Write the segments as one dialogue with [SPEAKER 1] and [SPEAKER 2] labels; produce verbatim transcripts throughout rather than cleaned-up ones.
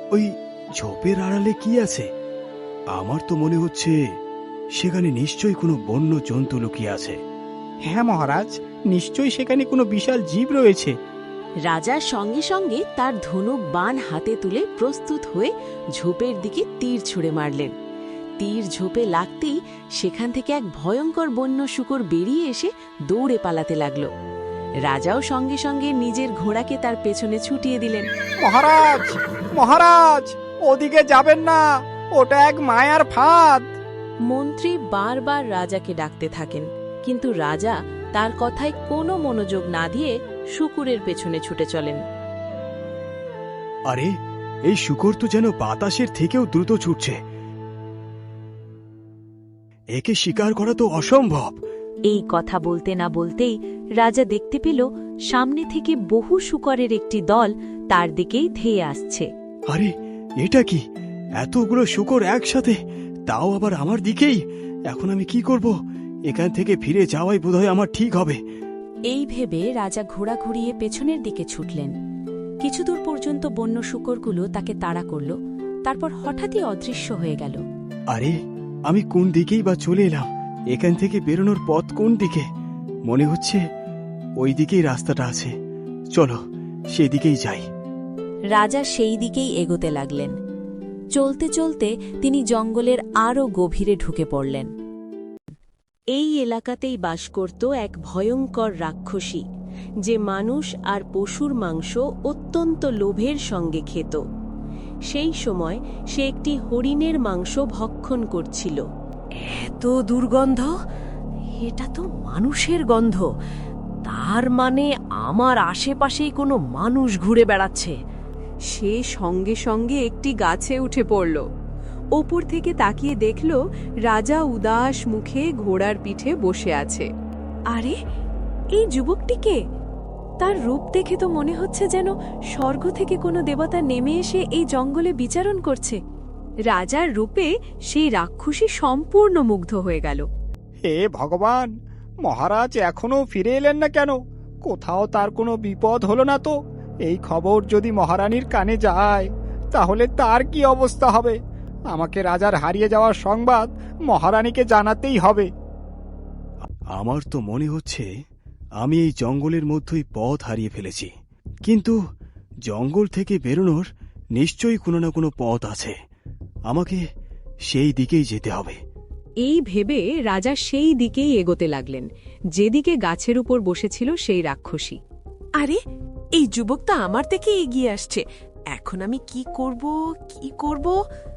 [SPEAKER 1] ওই ঝোপের আড়ালে কি আছে? আমার তো মনে হচ্ছে সেখানে নিশ্চয়ই কোনো বন্য জন্তু লুকিয়ে আছে।
[SPEAKER 2] হ্যাঁ মহারাজ, নিশ্চয়ই সেখানে কোনো বিশাল জীব রয়েছে।
[SPEAKER 3] রাজা সঙ্গে সঙ্গে তার ধনুক বাণ হাতে তুলে প্রস্তুত হয়ে ঝোপের দিকে তীর ছুঁড়ে মারলেন। তীর ঝোপে লাগতেই সেখান থেকে এক ভয়ঙ্কর বন্য শূকর বেরিয়ে এসে দৌড়ে পালাতে লাগল। রাজাও সঙ্গে সঙ্গে নিজের ঘোড়াকে তার পেছনে ছুটিয়ে দিলেন।
[SPEAKER 2] মহারাজ, মহারাজ, ওদিকে যাবেন না, ওটা এক মায়ার ফাঁদ।
[SPEAKER 3] মন্ত্রী বারবার রাজাকে ডাকতে থাকেন, কিন্তু রাজা তার কথায় কোনো মনোযোগ না দিয়ে শূকরের পেছনে ছুটে চলেন।
[SPEAKER 1] আরে, এই শূকর তো যেন বাতাসের থেকেও দ্রুত ছুটছে। একে শিকার করা তো অসম্ভব।
[SPEAKER 4] এই কথা বলতে না বলতেই রাজা দেখতে পেল সামনে থেকে বহু শূকরের একটি দল তার দিকেই ধেয়ে আসছে।
[SPEAKER 1] আরে, এটা কি? এতগুলো শূকর একসাথে, তাও আবার আমার দিকেই! এখন আমি কি করব? এখান থেকে ফিরে যাওয়াই বোধহয় আমার ঠিক হবে।
[SPEAKER 4] এই ভেবে রাজা ঘোড়া ঘুরিয়ে পেছনের দিকে ছুটলেন। কিছু দূর পর্যন্ত বন্য শূকরগুলো তাকে তাড়া করল, তারপর হঠাৎই অদৃশ্য হয়ে গেল।
[SPEAKER 1] আরে, আমি কোন দিকেই বা চলে এলাম? এখান থেকে বেরোনোর পথ কোন দিকে? মনে হচ্ছে ওই দিকেই রাস্তাটা আছে। চলো, সেদিকেই যাই।
[SPEAKER 4] রাজা সেই দিকেই এগোতে লাগলেন। চলতে চলতে তিনি জঙ্গলের আরও গভীরে ঢুকে পড়লেন।
[SPEAKER 3] এই এলাকাতেই বাস করত এক ভয়ঙ্কর রাক্ষসী, যে মানুষ আর পশুর মাংস অত্যন্ত লোভের সঙ্গে খেত। সেই সময় সে একটি হরিণের মাংস ভক্ষণ করছিল।
[SPEAKER 5] এত দুর্গন্ধ! এটা তো মানুষের গন্ধ। তার মানে আমার আশেপাশেই কোনো মানুষ ঘুরে বেড়াচ্ছে।
[SPEAKER 6] সে সঙ্গে সঙ্গে একটি গাছে উঠে পড়ল। ওপর থেকে তাকিয়ে দেখল রাজা উদাস মুখে ঘোড়ার পিঠে বসে আছে। আরে, এই যুবকটিকে! তার রূপ দেখে তো মনে হচ্ছে যেন স্বর্গ থেকে কোনো দেবতা নেমে এসে এই জঙ্গলে বিচারণ করছে। রাজার রূপে সেই রাক্ষসী সম্পূর্ণ মুগ্ধ হয়ে গেল।
[SPEAKER 2] হে ভগবান, মহারাজ এখনো ফিরে এলেন না কেন? কোথাও তার কোনো বিপদ হলো না তো? এই খবর যদি মহারানীর কানে যায়, তাহলে তার কি অবস্থা হবে? আমাকে রাজার হারিয়ে যাওয়ার সংবাদ মহারানীকে জানাতেই হবে।
[SPEAKER 1] আমার তো মনে হচ্ছে আমি এই জঙ্গলের মধ্যেই পথ হারিয়ে ফেলেছি। কিন্তু জঙ্গল থেকে বেরোনোর নিশ্চয়ই কোনো না কোনো পথ আছে। আমাকে সেই দিকেই যেতে হবে।
[SPEAKER 6] এই ভেবে রাজা সেই দিকেই এগোতে লাগলেন, যেদিকে গাছের উপর বসেছিল সেই রাক্ষসী।
[SPEAKER 5] আরে, এই যুবকটা আমার থেকে এগিয়ে আসছে। এখন আমি কি করব কি করব?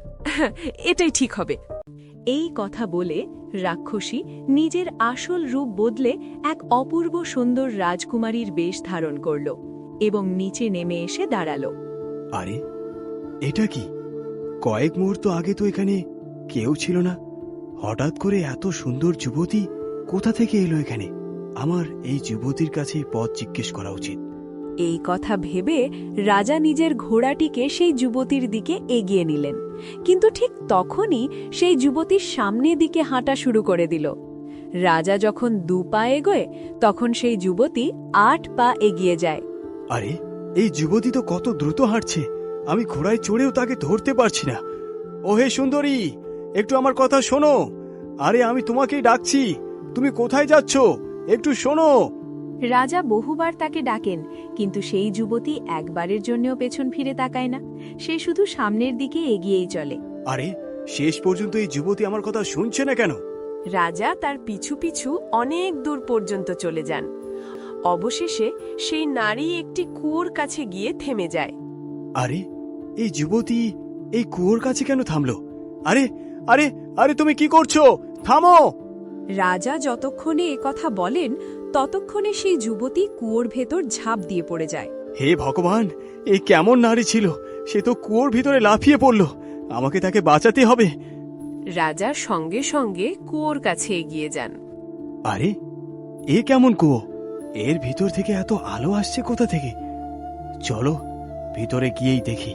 [SPEAKER 5] এটাই ঠিক হবে।
[SPEAKER 6] এই কথা বলে রাক্ষসী নিজের আসল রূপ বদলে এক অপূর্ব সুন্দর রাজকুমারীর বেশ ধারণ করল এবং নিচে নেমে এসে দাঁড়াল।
[SPEAKER 1] আরে, এটা কি? কয়েক মুহূর্ত আগে তো এখানে কেউ ছিল না। হঠাৎ করে এত সুন্দর যুবতী কোথা থেকে এলো এখানে? আমার এই যুবতীর কাছে পথ জিজ্ঞেস করা উচিত।
[SPEAKER 6] এই কথা ভেবে রাজা নিজের ঘোড়াটিকে সেই যুবতীর দিকে এগিয়ে নিলেন, কিন্তু ঠিক তখনই সেই যুবতীর সামনের দিকে হাঁটা শুরু করে দিল। রাজা যখন দু পা এগোয়, তখন সেই যুবতী আট পা এগিয়ে যায়।
[SPEAKER 1] আরে, এই যুবতী তো কত দ্রুত হাঁটছে! আমি ঘোড়ায় চড়েও তাকে ধরতে পারছি না। ও হে সুন্দরী, একটু আমার কথা শোনো। আরে, আমি তোমাকেই ডাকছি। তুমি কোথায় যাচ্ছ? একটু শোনো।
[SPEAKER 6] রাজা বহুবার তাকে ডাকেন, কিন্তু সেই যুবতী একবারের জন্যও পেছন ফিরে তাকায় না। সে শুধু সামনের দিকে এগিয়েই চলে।
[SPEAKER 1] আরে, শেষ পর্যন্ত এই যুবতী আমার কথা শুনছে না কেন?
[SPEAKER 5] রাজা তার পিছু পিছু অনেক দূর পর্যন্ত চলে যান। অবশেষে সেই নারী একটি কুয়োর কাছে গিয়ে থেমে যায়।
[SPEAKER 1] আরে, এই যুবতী এই কুয়োর কাছে কেন থামলো? আরে আরে আরে তুমি কি করছো? থামো!
[SPEAKER 6] রাজা যতক্ষণে এ কথা বলেন, ততক্ষণে সেই যুবতী কুয়োর ভেতর ঝাঁপ দিয়ে পড়ে যায়।
[SPEAKER 1] হে ভগবান, এই কেমন নারী ছিল! সে তো কুয়োর ভিতরে লাফিয়ে পড়ল। আমাকে তাকে বাঁচাতে হবে।
[SPEAKER 5] রাজা সঙ্গে সঙ্গে কুয়োর কাছে এগিয়ে যান।
[SPEAKER 1] আরে, এ কেমন কুয়ো? এর ভিতর থেকে এত আলো আসছে কোথা থেকে? চলো, ভিতরে গিয়েই দেখি।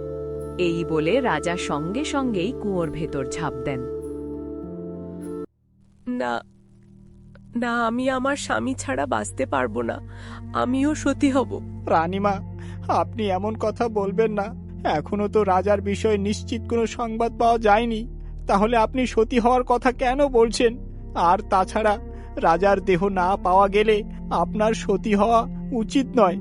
[SPEAKER 6] এই বলে রাজা সঙ্গে সঙ্গেই কুয়োর ভেতর ঝাঁপ দেন।
[SPEAKER 5] না না, আমি আমার স্বামী ছাড়া বাঁচতে পারবো না। আমিও সতী হব।
[SPEAKER 2] রানীমা, আপনি এমন কথা বলবেন না। এখনো তো রাজার বিষয়ে নিশ্চিত কোনো সংবাদ পাওয়া যায়নি। তাহলে আপনি সতী হওয়ার কথা কেন বলছেন? আর তাছাড়া রাজার দেহ না পাওয়া গেলে আপনার সতী হওয়া উচিত নয়।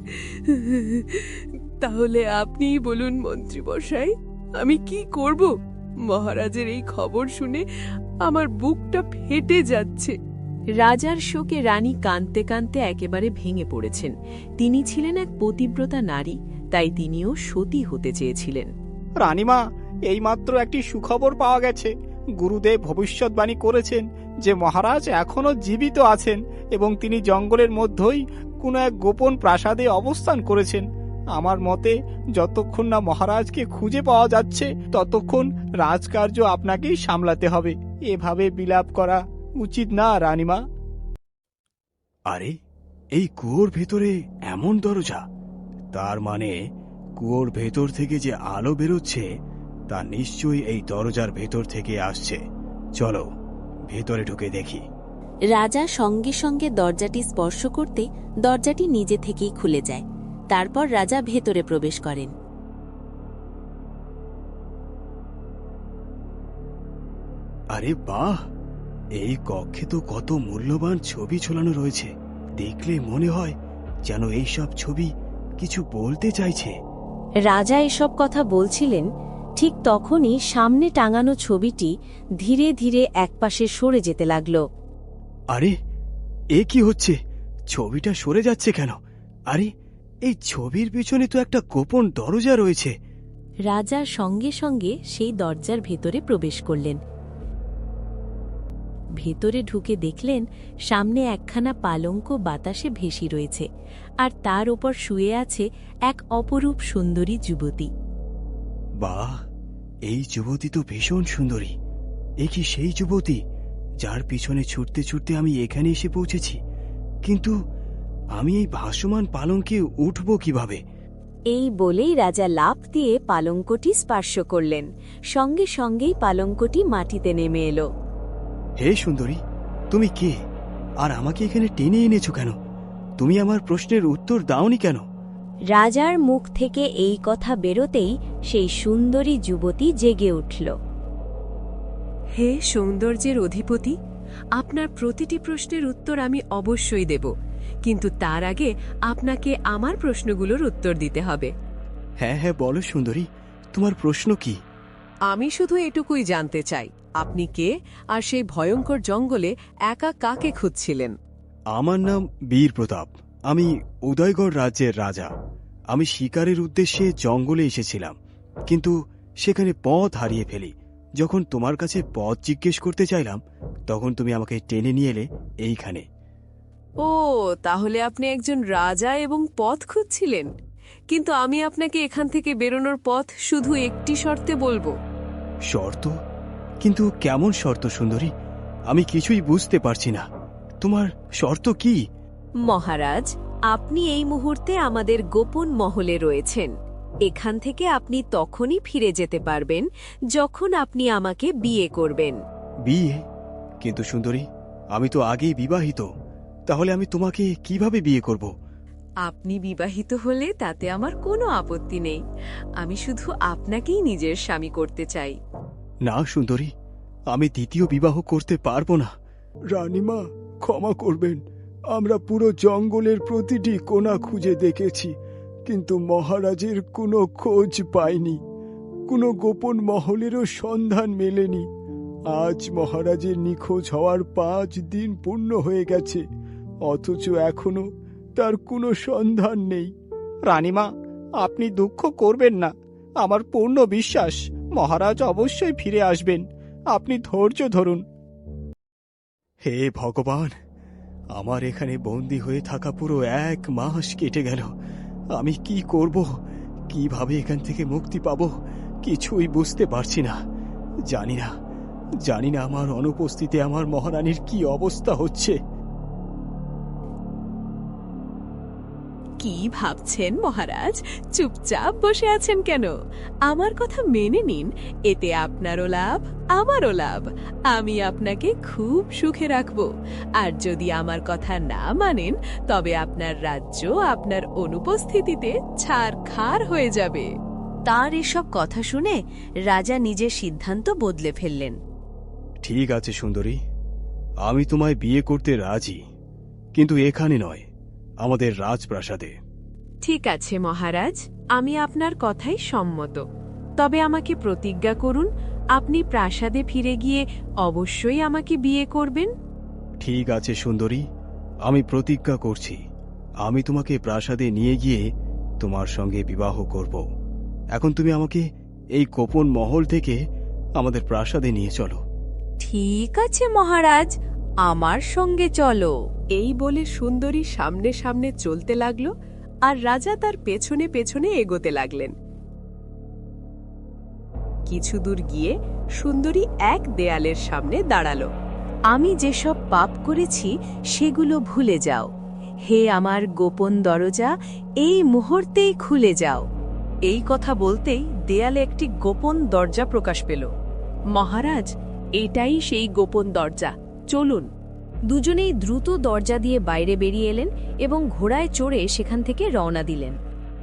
[SPEAKER 6] তাহলে আপনিই বলুন মন্ত্রী মশাই, আমি কি করব? মহারাজের এই খবর শুনে আমার বুকটা ফেটে যাচ্ছে।
[SPEAKER 3] রাজার শোকে রানী কাঁদতে কাঁদতে একেবারে ভেঙে পড়েছেন। তিনি ছিলেন এক পতিব্রতা নারী, তাই তিনিও সতী হতে চেয়েছিলেন।
[SPEAKER 2] রানীমা, এইমাত্র একটি সুখবর পাওয়া গেছে। গুরুদেব ভবিষ্যৎবাণী করেছেন যে মহারাজ এখনো জীবিত আছেন এবং তিনি জঙ্গলের মধ্যেই কোনো এক গোপন প্রাসাদে অবস্থান করেছেন। আমার মতে যতক্ষণ না মহারাজকে খুঁজে পাওয়া যাচ্ছে ততক্ষণ রাজকার্য আপনাকেই সামলাতে হবে। এভাবে বিলাপ করা উচিত না রানীমা।
[SPEAKER 1] আরে, এই কুয়োর ভেতরে এমন দরজা! তার মানে কুয়োর ভেতর থেকে যে আলো বেরোচ্ছে তা নিশ্চয়ই এই দরজার ভেতর থেকে আসছে। চলো ভেতরে ঢুকে দেখি।
[SPEAKER 3] রাজা সঙ্গে সঙ্গে দরজাটি স্পর্শ করতে দরজাটি নিজে থেকেই খুলে যায়। তারপর রাজা ভেতরে প্রবেশ করেন।
[SPEAKER 1] আরে বাহ, এই কক্ষে তো কত মূল্যবান ছবি ঝোলানো রয়েছে। দেখলে মনে হয় যেন এইসব ছবি কিছু বলতে চাইছে।
[SPEAKER 4] রাজা এসব কথা বলছিলেন, ঠিক তখনই সামনে টাঙানো ছবিটি ধীরে ধীরে একপাশে সরে যেতে লাগল।
[SPEAKER 1] আরে, এ কি হচ্ছে? ছবিটা সরে যাচ্ছে কেন? আরে, এই ছবির পিছনে তো একটা গোপন দরজা রয়েছে।
[SPEAKER 4] রাজা সঙ্গে সঙ্গে সেই দরজার ভেতরে প্রবেশ করলেন। ভেতরে ঢুকে দেখলেন সামনে একখানা পালঙ্ক বাতাসে ভেসে রয়েছে, আর তার ওপর শুয়ে আছে এক অপরূপ সুন্দরী যুবতী।
[SPEAKER 1] বাহ, এই যুবতী তো ভীষণ সুন্দরী। এ কি সেই যুবতী যার পিছনে ছুটতে ছুটতে আমি এখানে এসে পৌঁছেছি? কিন্তু আমি এই ভাসমান পালঙ্কে উঠব কিভাবে?
[SPEAKER 4] এই বলেই রাজা লাফ দিয়ে পালঙ্কটি স্পর্শ করলেন। সঙ্গে সঙ্গেই পালঙ্কটি মাটিতে নেমে এলো।
[SPEAKER 1] হে সুন্দরী, তুমি কে? আর আমাকে এখানে টেনে এনেছো কেন? তুমি আমার প্রশ্নের উত্তর দাওনি কেন?
[SPEAKER 4] রাজার মুখ থেকে এই কথা বেরোতেই সেই সুন্দরী যুবতী জেগে উঠল।
[SPEAKER 6] হে সৌন্দর্যের অধিপতি, আপনার প্রতিটি প্রশ্নের উত্তর আমি অবশ্যই দেব, কিন্তু তার আগে আপনাকে আমার প্রশ্নগুলোর উত্তর দিতে হবে।
[SPEAKER 1] হ্যাঁ হ্যাঁ, বলো সুন্দরী, তোমার প্রশ্ন কি?
[SPEAKER 6] আমি শুধু এটুকুই জানতে চাই, আপনি কে, আর সেই ভয়ঙ্কর জঙ্গলে একা কাকে খুঁজছিলেন?
[SPEAKER 1] আমার নাম বীর প্রতাপ। আমি উদয়গড় রাজ্যের রাজা। আমি শিকারের উদ্দেশ্যে জঙ্গলে এসেছিলাম, কিন্তু সেখানে পথ হারিয়ে ফেলি। যখন তোমার কাছে পথ জিজ্ঞেস করতে চাইলাম তখন তুমি আমাকে টেনে নিয়ে এলে এইখানে।
[SPEAKER 6] ও, তাহলে আপনি একজন রাজা এবং পথ খুঁজছিলেন। কিন্তু আমি আপনাকে এখান থেকে বেরোনোর পথ শুধু একটি শর্তে বলবো।
[SPEAKER 1] শর্ত? কিন্তু কেমন শর্ত সুন্দরী? আমি কিছুই বুঝতে পারছি না। তোমার শর্ত কি?
[SPEAKER 4] মহারাজ, আপনি এই মুহূর্তে আমাদের গোপন মহলে রয়েছেন। এখান থেকে আপনি তখনই ফিরে যেতে পারবেন যখন আপনি আমাকে বিয়ে করবেন।
[SPEAKER 1] বিয়ে? কিন্তু সুন্দরী, আমি তো আগেই বিবাহিত। তাহলে আমি তোমাকে কিভাবে বিয়ে করব?
[SPEAKER 6] আপনি বিবাহিত হলে তাতে আমার কোনো আপত্তি নেই। আমি শুধু আপনাকেই নিজের স্বামী করতে চাই।
[SPEAKER 1] না সুন্দরী, আমি দ্বিতীয় বিবাহ করতে পারবো না। রানীমা, ক্ষমা করবেন। আমরা পুরো জঙ্গলের প্রতিটি কোণা খুঁজে দেখেছি, কিন্তু মহারাজের কোনো খোঁজ পাইনি। কোনো গোপন মহলেরও সন্ধান মেলেনি। আজ মহারাজের নিখোঁজ হওয়ার পাঁচ দিন পূর্ণ হয়ে গেছে, অথচ এখনো তার কোনো সন্ধান নেই।
[SPEAKER 2] রানীমা, আপনি দুঃখ করবেন না। আমার পূর্ণ বিশ্বাস মহারাজ অবশ্যই ফিরে আসবেন। আপনি ধৈর্য ধরুন।
[SPEAKER 1] হে ভগবান, আমার এখানে বন্দী হয়ে থাকা পুরো এক মাস কেটে গেল। আমি কি করব, কিভাবে এখান থেকে মুক্তি পাব, কিছুই বুঝতে পারছি না। জানি না জানি না আমার অনুপস্থিতিতে আমার মহারানীর কি অবস্থা হচ্ছে।
[SPEAKER 6] কি ভাবছেন মহারাজ? চুপচাপ বসে আছেন কেন? আমার কথা মেনে নিন, এতে আপনারও লাভ আমারও লাভ। আমি আপনাকে খুব সুখে রাখব। আর যদি আমার কথা না মানেন তবে আপনার রাজ্য আপনার অনুপস্থিতিতে ছারখার হয়ে যাবে।
[SPEAKER 4] তার এসব কথা শুনে রাজা নিজের সিদ্ধান্ত বদলে ফেললেন।
[SPEAKER 1] ঠিক আছে সুন্দরী, আমি তোমায় বিয়ে করতে রাজি, কিন্তু এখানে নয়, আমাদের রাজপ্রাসাদে।
[SPEAKER 6] ঠিক আছে মহারাজ, আমি আপনার কথাই সম্মত। তবে আমাকে প্রতিজ্ঞা করুন, আপনি প্রাসাদে ফিরে গিয়ে অবশ্যই আমাকে বিয়ে করবেন।
[SPEAKER 1] ঠিক আছে সুন্দরী, আমি প্রতিজ্ঞা করছি, আমি তোমাকে প্রাসাদে নিয়ে গিয়ে তোমার সঙ্গে বিবাহ করব। এখন তুমি আমাকে এই গোপন মহল থেকে আমাদের প্রাসাদে নিয়ে চলো।
[SPEAKER 4] ঠিক আছে মহারাজ, আমার সঙ্গে চলো।
[SPEAKER 6] এই বলে সুন্দরী সামনে সামনে চলতে লাগল, আর রাজা তার পেছনে পেছনে এগোতে লাগলেন। কিছু দূর গিয়ে সুন্দরী এক দেয়ালের সামনে দাঁড়ালো।
[SPEAKER 4] আমি যেসব পাপ করেছি সেগুলো ভুলে যাও। হে আমার গোপন দরজা, এই মুহূর্তেই খুলে যাও।
[SPEAKER 5] এই কথা বলতেই দেয়ালে একটি গোপন দরজা প্রকাশ পেল।
[SPEAKER 6] মহারাজ, এটাই সেই গোপন দরজা, চলুন।
[SPEAKER 4] দুজনেই দ্রুত দরজা দিয়ে বাইরে বেরিয়ে এলেন এবং ঘোড়ায় চড়ে সেখান থেকে রওনা দিলেন।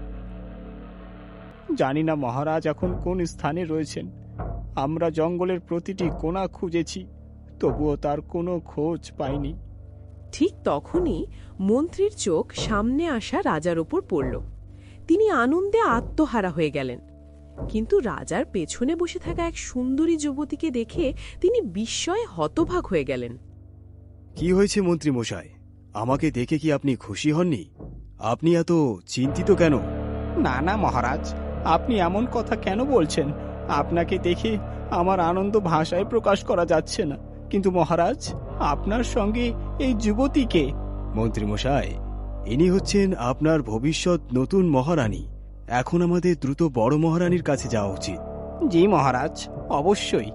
[SPEAKER 2] জানি না মহারাজ এখন কোন স্থানে রয়েছেন। আমরা জঙ্গলের প্রতিটি কোণা খুঁজেছি, তবুও তার কোনো খোঁজ পাইনি।
[SPEAKER 6] ঠিক তখনই মন্ত্রীর চোখ সামনে আসা রাজার ওপর পড়ল। তিনি আনন্দে আত্মহারা হয়ে গেলেন, কিন্তু রাজার পেছনে বসে থাকা এক সুন্দরী যুবতীকে দেখে তিনি বিস্ময়ে হতবাক হয়ে গেলেন।
[SPEAKER 1] কি হয়েছে মন্ত্রী মশাই, আমাকে দেখে কি আপনি খুশি হননি? আপনি এত চিন্তিত কেন?
[SPEAKER 2] না না মহারাজ, আপনি এমন কথা কেন বলছেন? আপনাকে দেখে আমার আনন্দ ভাষায় প্রকাশ করা যাচ্ছে না। কিন্তু মহারাজ, আপনার সঙ্গে এই যুবতীকে।
[SPEAKER 1] মন্ত্রী মশাই, ইনি হচ্ছেন আপনার ভবিষ্যৎ নতুন মহারানী। এখন আমাদের দ্রুত বড় মহারানীর কাছে যাওয়া উচিত।
[SPEAKER 2] জি মহারাজ, অবশ্যই।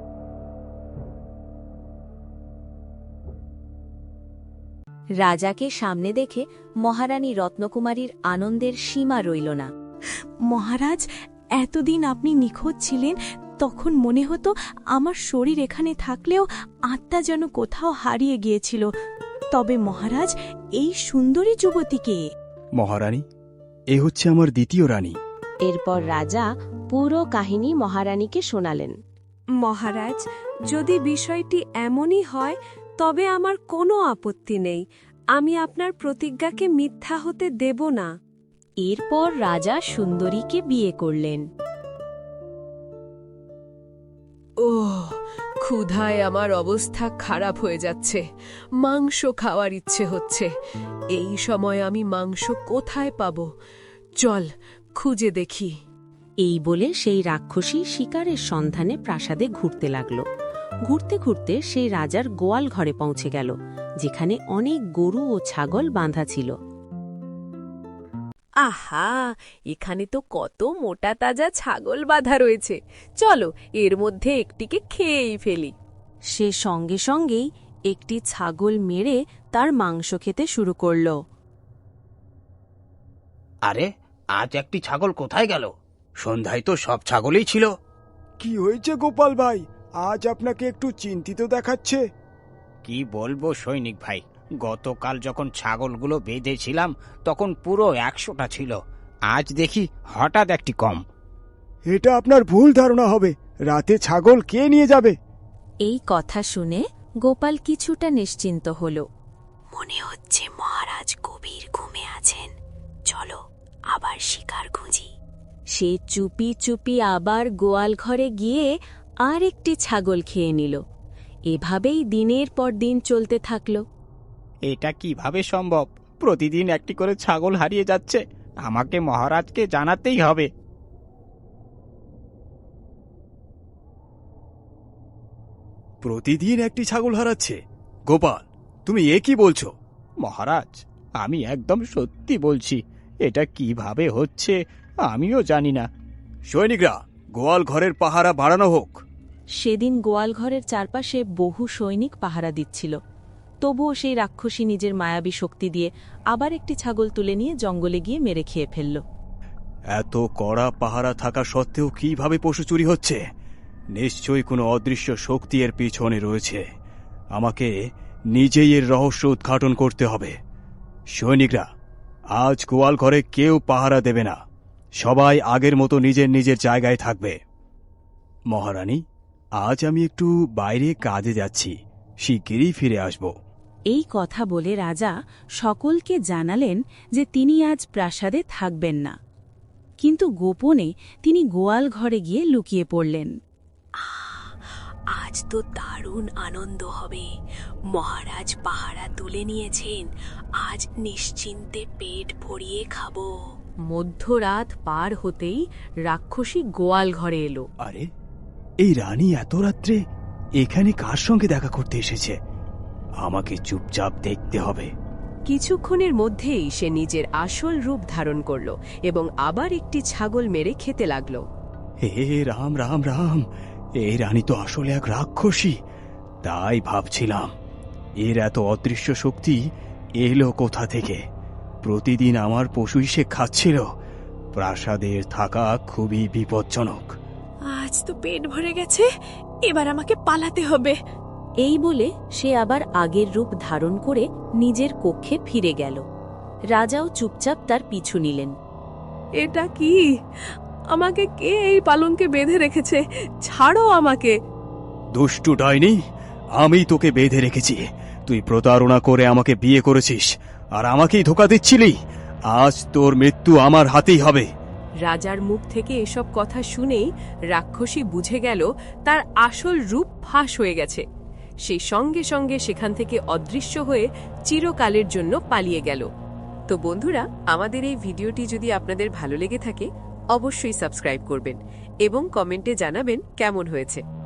[SPEAKER 4] রাজাকে সামনে দেখে মহারানী রত্নকুমারীর আনন্দের সীমা রইল না।
[SPEAKER 7] মহারাজ, এতদিন আপনি নিখোঁজ ছিলেন, তখন মনে হতো আমার শরীর এখানে থাকলেও আত্মা যেন কোথাও হারিয়ে গিয়েছিল। তবে মহারাজ, এই সুন্দরী যুবতীকে।
[SPEAKER 1] মহারানী, এ হচ্ছে আমার দ্বিতীয় রানী।
[SPEAKER 3] এরপর রাজা পুরো কাহিনী মহারানীকে শোনালেন।
[SPEAKER 4] মহারাজ, যদি বিষয়টি এমনই হয় তবে আমার কোনো আপত্তি নেই। আমি আপনার প্রতিজ্ঞাকে মিথ্যা হতে দেব না।
[SPEAKER 3] এরপর রাজা সুন্দরীকে বিয়ে করলেন।
[SPEAKER 6] ওহ, ক্ষুধায় আমার অবস্থা খারাপ হয়ে যাচ্ছে, মাংস খাওয়ার ইচ্ছে হচ্ছে। এই সময় আমি মাংস কোথায় পাব? চল খুঁজে দেখি।
[SPEAKER 3] এই বলে সেই রাক্ষসী শিকারের সন্ধানে প্রাসাদে ঘুরতে লাগল। ঘুরতে ঘুরতে সেই রাজার গোয়াল ঘরে পৌঁছে গেল, যেখানে অনেক গরু ও ছাগল বাঁধা ছিল।
[SPEAKER 6] আহা, এখানে তো কত মোটা তাজা ছাগল বাঁধা রয়েছে। চলো এর মধ্যে একটিকে খেয়েই ফেলি।
[SPEAKER 3] সে সঙ্গে সঙ্গেই একটি ছাগল মেরে তার মাংস খেতে শুরু করল।
[SPEAKER 8] আরে, আজ একটি ছাগল কোথায় গেল? সন্ধ্যায় তো সব ছাগলই ছিল।
[SPEAKER 2] কি হয়েছে গোপাল ভাই, আজ আপনাকে একটু চিন্তিত দেখাচ্ছে?
[SPEAKER 8] কি বলবো সৈনিক ভাই, গতকাল যখন ছাগলগুলো বেঁধেছিলাম তখন পুরো একশোটা ছিল, আজ দেখি হঠাৎ একটি কম।
[SPEAKER 2] এটা আপনার ভুল ধারণা হবে। রাতে ছাগল কে নিয়ে যাবে?
[SPEAKER 3] এই কথা শুনে গোপাল কিছুটা নিশ্চিন্ত হল।
[SPEAKER 7] মনে হচ্ছে মহারাজ গভীর ঘুমে আছেন। চলো আবার শিকার খুঁজি।
[SPEAKER 3] সে চুপি চুপি আবার গোয়াল ঘরে গিয়ে আর একটি ছাগল খেয়ে নিল। এভাবেই দিনের পর দিন চলতে থাকল।
[SPEAKER 2] এটা কিভাবে সম্ভব? প্রতিদিন একটি করে ছাগল হারিয়ে যাচ্ছে। আমাকে মহারাজকে জানাতেই হবে।
[SPEAKER 1] প্রতিদিন একটি ছাগল হারাচ্ছে? গোপাল, তুমি এ কি বলছো?
[SPEAKER 2] মহারাজ, আমি একদম সত্যি বলছি। এটা কিভাবে হচ্ছে আমিও জানি না।
[SPEAKER 1] সৈনিকরা, গোয়াল ঘরের পাহারা বাড়ানো হোক।
[SPEAKER 3] সেদিন গোয়াল ঘরের চারপাশে বহু সৈনিক পাহারা দিচ্ছিল। তবুও সেই রাক্ষসী নিজের মায়াবী শক্তি দিয়ে আবার একটি ছাগল তুলে নিয়ে জঙ্গলে গিয়ে মেরে খেয়ে ফেলল।
[SPEAKER 1] এত কড়া পাহারা থাকা সত্ত্বেও কিভাবে পশু চুরি হচ্ছে? নিশ্চয়ই কোনো অদৃশ্য শক্তি এর পিছনে রয়েছে। আমাকে নিজেই এর রহস্য উদ্ঘাটন করতে হবে। সৈনিকরা, আজ গোয়াল ঘরে কেউ পাহারা দেবে না। সবাই আগের মতো নিজের নিজের জায়গায় থাকবে। মহারানী, আজ আমি একটু বাইরে কাজে যাচ্ছি, শিগগিরই ফিরে আসব।
[SPEAKER 3] এই কথা বলে রাজা সকলকে জানালেন যে তিনি আজ প্রাসাদে থাকবেন না, কিন্তু গোপনে তিনি গোয়াল ঘরে গিয়ে লুকিয়ে পড়লেন।
[SPEAKER 5] আজ তো দারুণ আনন্দ হবে। মহারাজ পাহারা তুলে নিয়েছেন, আজ নিশ্চিন্তে পেট ভরিয়ে খাবো। মধ্যরাত পার হতেই রাক্ষসী গোয়াল ঘরে এলো।
[SPEAKER 1] আরে, এই রানী এত রাত্রে এখানে কার সঙ্গে দেখা করতে এসেছে? আমাকে চুপচাপ দেখতে হবে।
[SPEAKER 4] কিছুক্ষণের মধ্যেই সে নিজের আসল রূপ ধারণ করল এবং আবার একটি ছাগল মেরে খেতে লাগল।
[SPEAKER 1] হে রাম রাম রাম, এই রানী তো আসলে এক রাক্ষসী। তাই ভাবছিলাম এর এত অদৃশ্য শক্তি এলো কোথা থেকে। প্রতিদিন আমার পশুই সে খাচ্ছিল। প্রাসাদের থাকা খুবই বিপজ্জনক।
[SPEAKER 7] আজ তো পেট ভরে গেছে, এবার আমাকে পালাতে হবে।
[SPEAKER 3] এই বলে সে আবার আগের রূপ ধারণ করে নিজের কক্ষে ফিরে গেল। রাজাও চুপচাপ তার পিছু নিলেন।
[SPEAKER 6] এটা কি? আমাকে কে এই পালঙ্কে বেঁধে রেখেছে? ছাড়ো আমাকে।
[SPEAKER 1] দুষ্টু ডাইনি, আমি তোকে বেঁধে রেখেছি। তুই প্রতারণা করে আমাকে বিয়ে করেছিস আর আমাকেই ধোঁকা দিচ্ছিলি। আজ তোর মৃত্যু আমার হাতেই হবে।
[SPEAKER 4] রাজার মুখ থেকে এসব কথা শুনেই রাক্ষসী বুঝে গেল তার আসল রূপ ফাঁস হয়ে গেছে। সেই সঙ্গে সঙ্গে সেখান থেকে অদৃশ্য হয়ে চিরকালের জন্য পালিয়ে গেল। তো বন্ধুরা, আমাদের এই ভিডিওটি যদি আপনাদের ভালো লেগে থাকে অবশ্যই সাবস্ক্রাইব করবেন এবং কমেন্টে জানাবেন কেমন হয়েছে।